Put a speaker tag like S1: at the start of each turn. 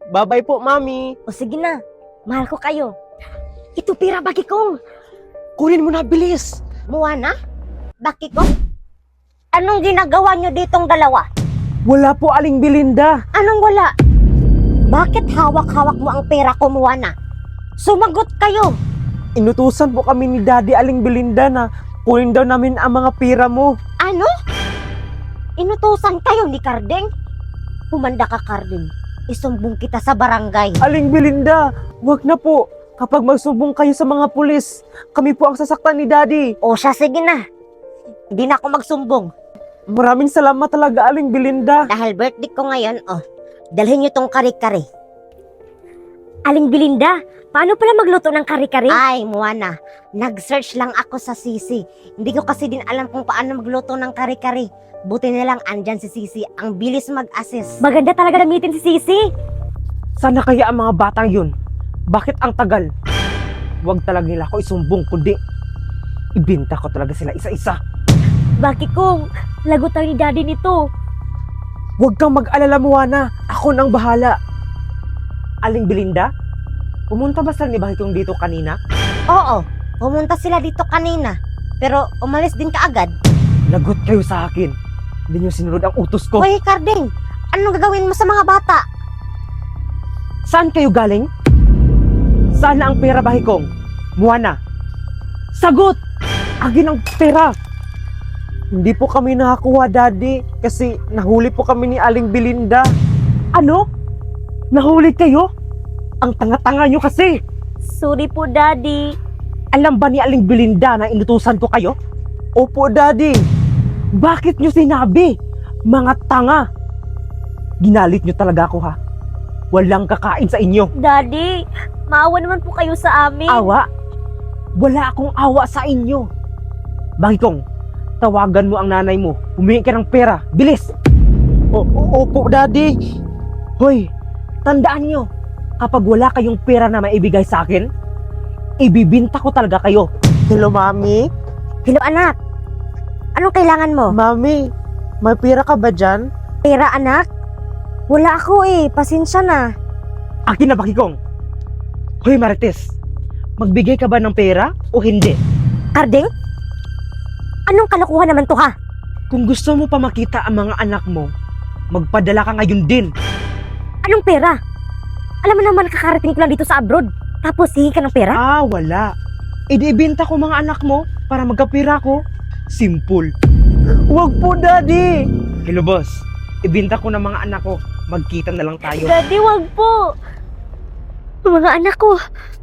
S1: Bye-bye po, Mami.
S2: O sige na, mahal ko kayo. Ito pira bagi kong.
S1: Kunin mo na, bilis.
S2: Moana? Baki ko? Anong ginagawa nyo ditong dalawa?
S1: Wala po, Aling Belinda.
S2: Anong wala? Bakit hawak-hawak mo ang pera ko, Moana? Sumagot kayo.
S1: Inutusan po kami ni Daddy Aling Belinda na kunin daw namin ang mga pira mo.
S2: Ano? Inutusan kayo ni Kardeng? Humanda ka, Kardeng. Isumbong kita sa barangay.
S1: Aling Belinda, wag na po. Kapag magsumbong kayo sa mga pulis, kami po ang sasaktan ni Daddy.
S2: O siya, sige na. Hindi na ako magsumbong.
S1: Maraming salamat talaga, Aling Belinda.
S2: Dahil birthday ko ngayon, dalhin niyo tong kare-kare. Aling Belinda, paano pala magluto ng kare-kare? Ay, Moana, nag-search lang ako sa Sisi. Hindi ko kasi din alam kung paano magluto ng kare-kare. Buti na lang andyan si Sisi, ang bilis mag-assist. Maganda talaga gamitin si Sisi.
S1: Sana kaya ang mga batang yun? Bakit ang tagal? Wag talaga nila ako isumbong, kundi ibinta ko talaga sila isa-isa.
S2: Bakit kung lagot tayo ni Daddy nito?
S1: Huwag kang mag-alala, Moana. Ako nang bahala. Aling Belinda, pumunta ba sila ni Bahitong dito kanina?
S2: Oo, pumunta sila dito kanina. Pero umalis din kaagad.
S1: Lagot kayo sa akin. Hindi nyo sinunod ang utos ko.
S2: Hoy, Kardeng, anong gagawin mo sa mga bata?
S1: Saan kayo galing? Saan na ang pera, Bahikong? Moana, sagot! Agin ang pera! Hindi po kami nakakuha, Daddy, kasi nahuli po kami ni Aling Belinda. Ano? Nahuli kayo? Ang tanga-tanga nyo kasi!
S2: Sorry po, Daddy.
S1: Alam ba ni Aling Belinda na inutusan ko kayo? Opo, Daddy. Bakit nyo sinabi? Mga tanga! Ginalit nyo talaga ako, ha? Walang kakain sa inyo.
S2: Daddy, maawa naman po kayo sa amin.
S1: Awa? Wala akong awa sa inyo. Bahikong, tawagan mo ang nanay mo. Humingi ka ng pera. Bilis! Opo, Daddy. Hoy, tandaan nyo, kapag wala kayong pera na maibigay sa akin, ibibinta ko talaga kayo. Hello, Mami?
S2: Hello, anak. Anong kailangan mo?
S1: Mami, may pera ka ba dyan?
S2: Pera, anak? Wala ako pasensya na.
S1: Akin na, Bahikong. Hoy, Marites, magbigay ka ba ng pera o hindi?
S2: Kardeng? Anong kalokohan naman to, ha?
S1: Kung gusto mo pa makita ang mga anak mo, magpadala ka ngayon din.
S2: Anong pera? Alam mo naman, kakarating ko lang dito sa abroad. Tapos hihingi ka ng pera?
S1: Ah, wala. Ibinta ko mga anak mo para magkapira ko. Simple. Wag po, Daddy! Hello, boss. Ibinta ko ng mga anak ko. Magkita na lang tayo.
S2: Daddy, wag po. Mga anak ko,